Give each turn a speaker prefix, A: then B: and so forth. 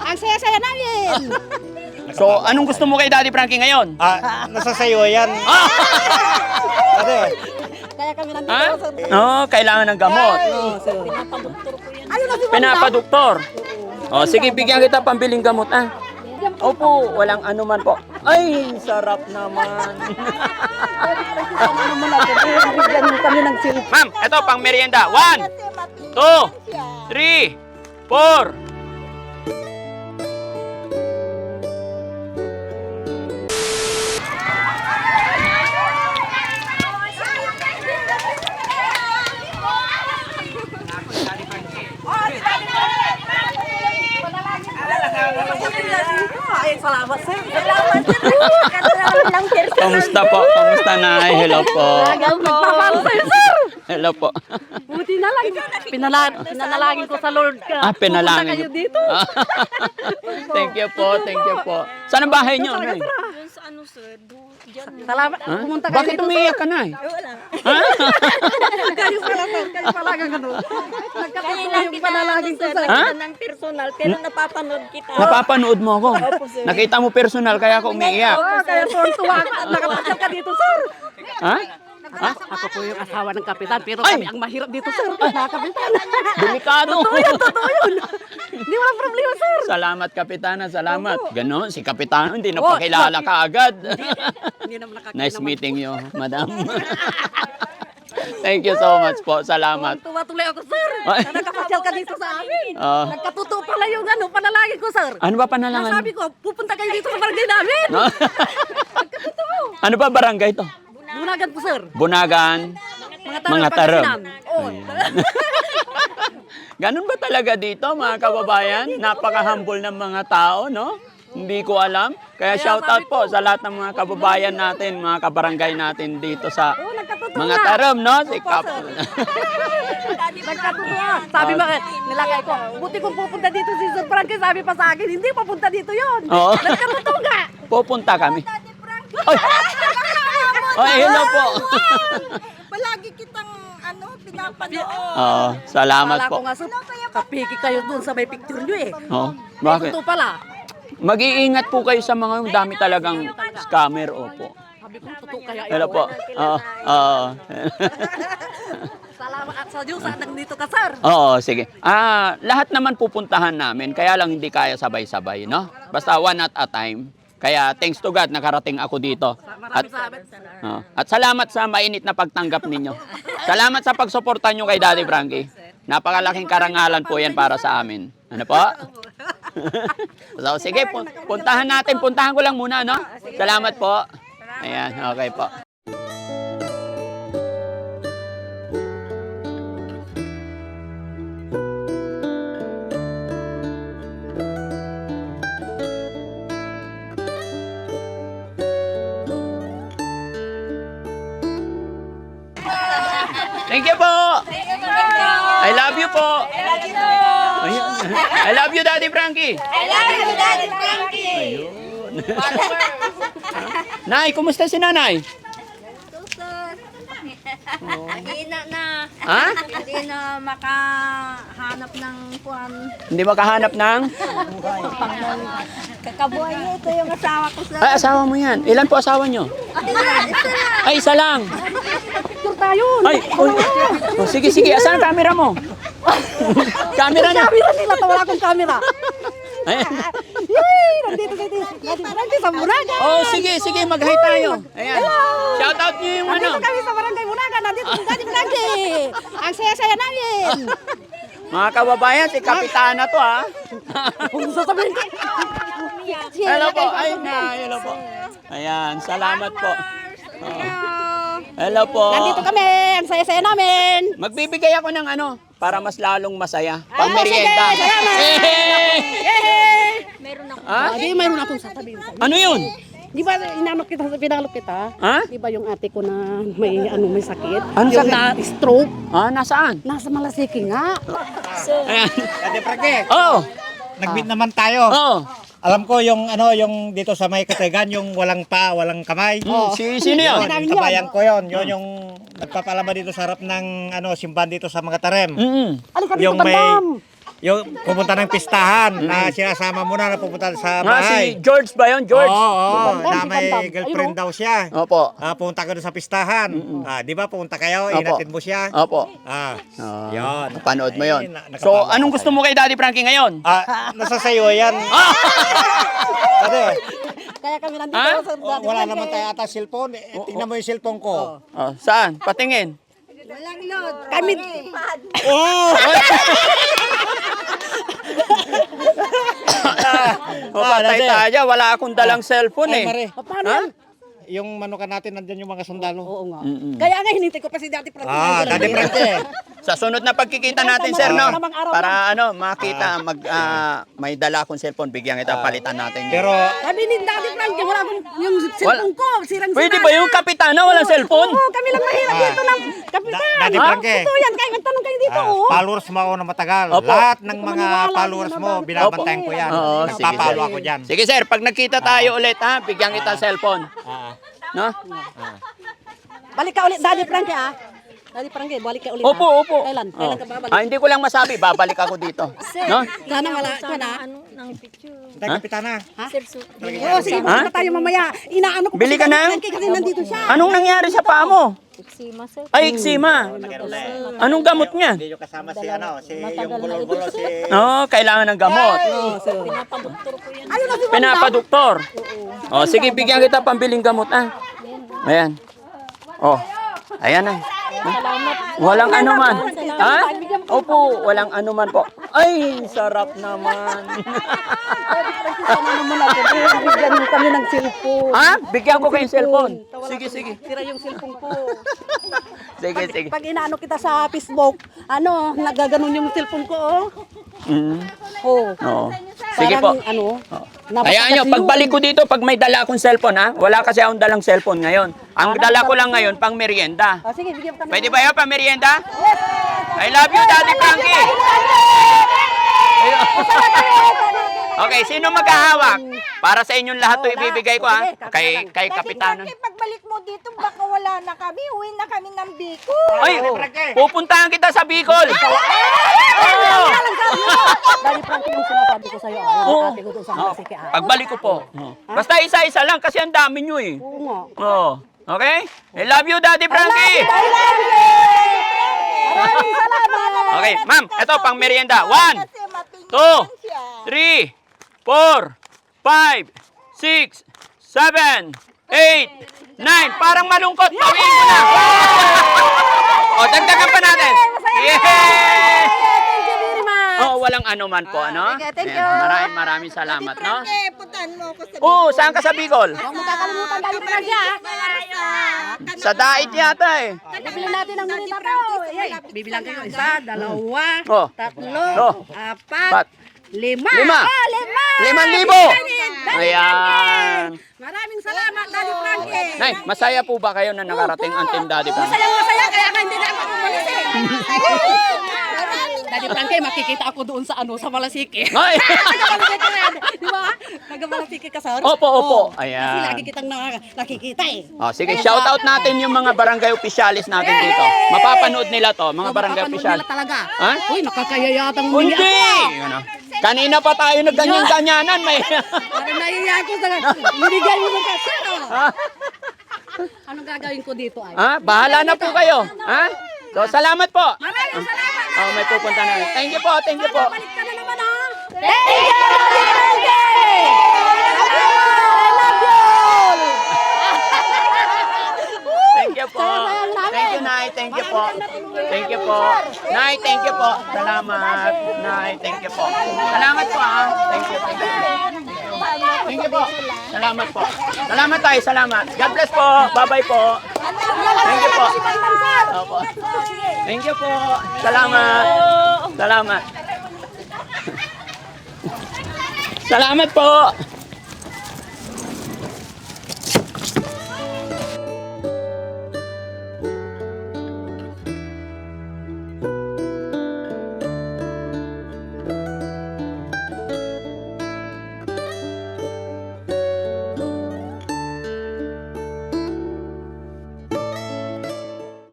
A: Ang saya-saya namin.
B: So, anong gusto mo kay Daddy Frankie ngayon?
C: Nasa sayo yan. Ate,
A: Kaya kami nandito.
B: Ha?
A: sir.
B: Oo, kailangan ng gamot.
A: Ayun na si
B: Pinapadoktor. O, sige, bigyan kita pambiling gamot, ah. Opo, walang anuman po. Ay, sarap naman.
A: Bigyan mo kami ng silip.
B: Ma'am, ito pang merienda. 1, 2, 3, 4.
A: Ay, salamat sir. Salamat sir.
B: Kamusta po? Kamusta na? Hello po.
A: Magpapalo sa'yo sir.
B: Hello po.
A: Buti na lang. Pinanalangin ko sa Lord ka.
B: Pinalangin.
A: Pupunta kayo dito.
B: Thank you po, thank you po. Saan ang bahay niyo, Nay?
D: Doon sa ano sir,
A: Salamat.
B: Ha?
A: Pumunta kayo
B: Bakit
A: dito.
B: umiiyak ka, Nay?
D: wala.
B: Ha?
A: Kayo pala sir. Kayo pala ang ano. Nagkapatuloy yung panalangin ko
D: sir,
A: sir.
B: Ha?
D: nakita ng personal, pero napapanood kita.
B: Napapanood mo ako. Nakita mo personal kaya ako umiiyak.
A: Kaya tuwa ka. Nakapasyal ka dito sir.
B: Ha? Ha?
A: Ako po yung asawa ng kapitan, pero
B: Ay!
A: kami ang mahirap dito, sir. Mga kapitan.
B: Delikado.
A: Totoo yun. Hindi wala problema, sir.
B: Salamat, Kapitana. Salamat. Ganon, si Kapitana hindi na pakilala ka agad.
A: Hindi naman nakakita.
B: Nice meeting you, Madam. Thank you so much po. Salamat.
A: Tuwa-tuloy ako, sir.
B: Ay.
A: Nakapasyal ka dito sa amin.
B: Ah.
A: Nagkatuto pala yung ano, panalangin ko, sir.
B: Ano ba panalangan?
A: Sabi ko, pupunta kayo dito sa barangay namin.
B: No? Ano ba barangay to?
A: Bunagan po, sir.
B: Bunagan. Mga tarem.
A: Pangasinan. Oo.
B: Ganun ba talaga dito, mga kababayan? Napaka-humble ng mga tao, no? Hindi ko alam. Kaya shout out po sa lahat ng mga kababayan natin, mga kabarangay natin dito sa
A: Nagkatuto
B: mga
A: nga.
B: tarem, no? Si Kap.
A: Nagkatuto nga. Sabi ba, nilagay ko, buti kung pupunta dito si Sir Frankie, sabi pa sa akin, hindi papunta dito yun.
B: Oo.
A: Nagkatuto nga.
B: Pupunta kami. Ay! Ay, hello po.
D: Palagi kitang pinapanood.
B: Oo, salamat
A: Kala
B: po.
A: ko nga, sir, kapiki kayo dun sa may picture nyo eh.
B: Oo, bakit?
A: Ito pala.
B: Mag-iingat po kayo sa mga yung dami talagang scammer, opo.
A: Sabi ko, totoo kaya ito.
B: Hello po. Oo, oo.
A: Salamat at sa Diyos at nandito ka, sir.
B: Oo, sige. Lahat naman pupuntahan namin, kaya lang hindi kaya sabay-sabay, no? Basta one at a time. Kaya thanks to God, nakarating ako dito. At,
A: Maraming salamat.
B: at salamat sa mainit na pagtanggap ninyo. Salamat sa pagsuporta nyo kay Daddy Frankie. Napakalaking karangalan po yan para sa amin. Ano po? So, sige, puntahan natin. Puntahan ko lang muna, no? Salamat po. Ayan, okay po. Thank you po. I love you po. Ayun. I love you, Daddy Frankie.
D: I love you, Daddy Frankie.
B: Ayun. Nay, kumusta si nanay?
D: Hindi na,
B: Ha?
D: hindi na makahanap ng kuwan.
B: Hindi makahanap ng?
D: Kakabuhay niya, ito yung asawa ko sa...
B: Ay, asawa mo yan. Ilan po asawa nyo? Ay, isa lang.
A: Picture tayo.
B: Ay, uy. Oh, sige, sige. Asan ang camera mo? Camera niya.
A: Camera nila, wala akong camera.
B: Ayan.
A: Yay! Nandito kayo dito. Nandito sa Bunaga.
B: Oh, sige, sige. Mag-hi tayo. Ayan. Shout out nyo yung ano.
A: Nandito kami sa barangay Bunaga. Nandito si Daddy Frankie. Ang saya-saya namin.
B: Mga kababayan, si Kapitana to, ha?
A: Kung sasabihin ko.
B: Hello po. Ay, hello po. Ayan, salamat po. Oh. Hello po.
A: Nandito kami. Ang saya-saya namin.
B: Magbibigay ako ng ano, para mas lalong masaya. Pang merienda.
A: sige, salamat.
B: Hey!
A: Yay!
D: Meron ako.
B: Ha?
A: Di mayroon akong sasabihin sa'yo.
B: Ano yun?
A: Di ba inanok kita, pinalok kita?
B: Ha?
A: Di ba yung ate ko na may may sakit?
B: Ano
A: yung
B: sakit?
A: na stroke?
B: Nasaan?
A: Nasa Malasiki nga.
B: Ayan.
C: Ate Frankie,
B: Oh!
C: nag-meet naman tayo.
B: Oh!
C: Alam ko yung yung dito sa may Katagan, yung walang pa, walang kamay.
B: Sino yun?
C: Yun, kabayan ko yun. Yun yung nagpapalama dito sa harap ng simbahan dito sa mga tarem.
B: Mm-mm.
A: Alika dito,
C: Yung may
A: bandam.
C: yung pupunta ng pistahan na sinasama mo na pupunta sa
B: Si
C: bahay.
B: George ba yun? George?
C: Oo,
A: Bandam,
C: na
A: si
C: may
A: Bandam.
C: girlfriend daw siya.
B: Opo.
C: Pumunta ka doon sa pistahan. Di ba pumunta kayo,
B: Opo.
C: inatid mo siya.
B: Opo.
C: Yun.
B: Napanood mo yun.
C: Nakapanood
B: So,
C: ako
B: anong gusto mo kay Daddy Frankie ngayon?
C: Nasa sayo yan. Kasi,
A: Kaya kami nandito
B: Ha?
A: sa Daddy
C: wala
A: Frankie.
C: naman tayo ata cellphone. Tingnan mo yung cellphone ko.
B: Saan? Patingin.
A: Kami,
C: Oh!
B: Patay tayo. Wala akong dalang cellphone
C: Ay,
B: eh.
C: Mare,
A: paano yan?
C: yung manukan natin, nandyan yung mga sundalo.
A: Oo nga. Kaya nga hinintay ko pa si Daddy Frankie.
C: Daddy Frankie.
B: Sa sunod na pagkikita natin, sir, no?
A: Tamang araw
B: Para makita, may dala akong cellphone, bigyan kita, palitan natin.
C: Pero,
A: Sabi ni Daddy Frankie, wala akong yung cellphone ko. Sirang-sira.
B: Pwede ba yung kapitana walang cellphone?
A: Oo, kami lang mahirap dito ng kapitan.
C: Daddy Frankie.
A: Ito yan, kaya magtanong kayo dito. oh.
C: followers mo ako na matagal.
B: Opo.
C: Lahat ng mga
A: maniwala
C: followers
A: din
C: mo,
A: na
C: binabantayan ko yan.
B: Oo, sige,
C: Nagpapalo
B: sir.
C: ako dyan.
B: Sige, sir, pag nagkita tayo ulit, bigyan kita cellphone. No?
A: Balik ka ulit, Daddy Frankie, Daddy Frankie, balik ka ulit.
B: Opo, opo.
A: Kailan?
B: Oh.
A: Kailan ka babalik?
B: Hindi ko lang masabi, babalik ako dito. No?
A: Sana wala ka na.
C: Tay, kapitana.
A: Oo, sige,
B: Ha?
A: pupunta tayo mamaya. Inaano ko pa
B: Bili
A: si
B: ka
A: Daddy
B: na?
A: Frankie kasi nandito siya.
B: Anong nangyari sa paa mo?
D: Eksima, sir.
B: Ay, eczema. Anong gamot niya?
C: Hindi nyo kasama si yung bulol-bulol, si...
B: Kailangan ng gamot.
A: Ayun na si
B: Pinapadoktor. Sige, bigyan kita pambiling gamot, Ayan. Ayan na. Walang anuman. Opo, walang anuman po. Ay, sarap naman.
A: Sana naman natin. Bigyan mo kami ng cellphone.
B: Bigyan ko kayong cellphone. Sige, sige.
A: Tira yung cellphone ko.
B: Sige, sige.
A: Pag inaano kita sa Facebook, nagaganon yung cellphone ko,
B: Oo. Sige po.
A: Parang,
B: Hayaan nyo, pagbalik ko dito, pag may dala akong cellphone, wala kasi akong dalang cellphone ngayon. Ang dala ko lang ngayon, pang merienda.
A: Sige, bigyan kami.
B: Pwede ba yan, pang merienda? I love you, Daddy Frankie! Okay, sino maghahawak? Para sa inyong lahat to ibibigay ko, Kay Kapitanan.
E: Pagbalik mo dito, baka wala na kami. Uwi na kami ng Bicol.
B: Ay, pupuntahan kita sa Bicol!
A: Daddy Frankie yung sinasabi ko sa'yo. Ate ko doon sa Masike.
B: Pagbalik ko po. Basta isa-isa lang kasi ang dami nyo eh.
A: Oo nga.
B: Okay? I love you, Daddy Frankie!
A: Maraming salamat.
B: Okay, ma'am, ito pang merienda. 1,
E: Kasi
B: 2, 3,
E: matingin siya.
B: 4, 5, 6, 7, 8, 9. Parang malungkot. Pawiin mo na. Dagdagan pa natin. Yay!
A: Thank you very much.
B: Walang anuman po, ano?
A: Okay, thank
B: Ayan,
A: you.
B: Maraming salamat, no?
E: Eh, puntahan mo ako sa
B: Saan ka sa Bicol?
A: Huwag mo kakalimutan Daddy Frankie,
B: Sa Dait yata eh.
A: Bibili natin ng merienda to. Bibilang kayo. 1, 2,
B: Oh.
A: 3, 4, 5. 5.
B: 5,000. Ayan.
A: Maraming salamat, Daddy Frankie.
B: Nay, masaya po ba kayo na nakarating ang Team Daddy Frankie?
A: Masaya, kaya ka hindi na ako umalis Daddy Frankie, makikita ako doon sa sa Malasike.
B: Ay!
A: Taga-Malasike na yan. Di ba? Taga-Malasike ka, sir?
B: Opo.
A: Kasi
B: Ayan.
A: lagi kitang nakikita
B: Sige, shout out natin yung mga barangay officialis natin dito. Mapapanood nila to, mga barangay
A: Mapapanood
B: official.
A: nila talaga.
B: Ha?
A: Uy, nakakayayatang
B: Hindi! Kanina pa tayo nagganyan-ganyanan. May...
A: Parang naiiya ako sa binigay mo ng kasir. Anong gagawin ko dito ay?
B: Bahala na po kayo. So, salamat po.
A: Maraming salamat.
B: May pupunta na. Thank you po.
A: Balik ka na naman Thank you, Daddy Frankie! I love you!
B: Thank you po. Thank you, Nay. Thank you po. Thank you po. Nay, thank you po. Salamat. Nay, thank you po. Salamat po, Thank you. Thank you po. Salamat po. Salamat tayo. Salamat. God bless po. Bye-bye po. Thank you po. Opo. Thank you po. Salamat. Salamat. Salamat po.